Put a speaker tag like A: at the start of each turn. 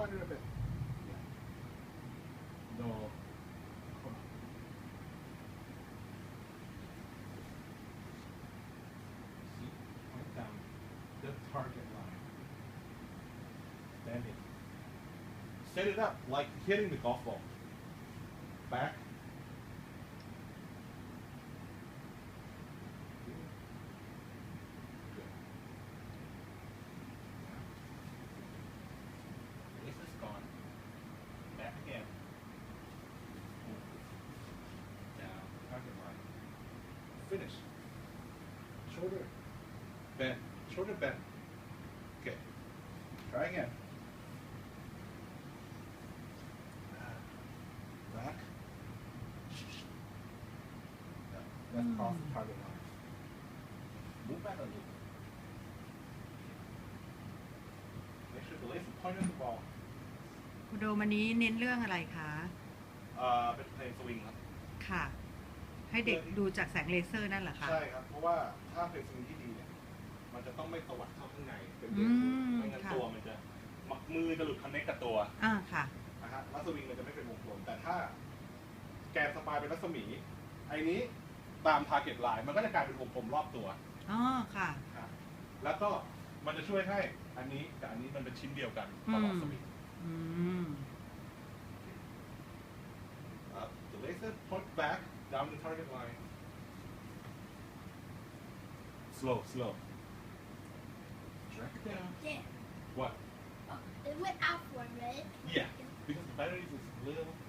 A: harder a bit. Yeah. No. Come on. See, point down the target line. Stand in. Set it up like hitting the golf ball. Back. Good. This is gone. Back again. Down. Target line. Finish. Shoulder. Bend. Shoulder bend. Okay. Try again. Back. Let's cross the target line. Move back a little. Make sure the laser point at the ball.
B: คุณโดมอันนี้เน้นเรื่องอะไรคะ
A: เป็นเพลงสวิงครับ
B: ค่ะ ให้เด็กดูจากแสงเลเซอร์นั่นเหรอคะ
A: ใช่ครับ เพราะว่าถ้าเพลงสวิงที่ดีเนี่ย มันจะต้องไม่ตวัดเข้าข้างในเป็น
B: อืม
A: ไม่งั้น
B: ค่ะ
A: ตัวมันจะมือจะหลุดคอนเนคกับตัว
B: ค่ะ
A: นะฮะแล้วสวิงมันจะไม่เป็นวงกลมแต่ถ้าแกนสปายเป็นรัศมีไอ้นี้ตามทาร์เก็ตไลน์มันก็จะกลายเป็นวงกลมรอบตัว
B: อ๋อ ค่ะ
A: ครับแล้วก็มันจะช่วยให้อันนี้กับอันนี้มันเป็นชิ้นเดียวกันตลอดสวิง
B: อืม
A: The laser point back down the target line. Slow, slow. Drag it down.
C: Yeah.
A: What?
C: Oh, it went out for a minute.
A: Yeah, because the batteries is little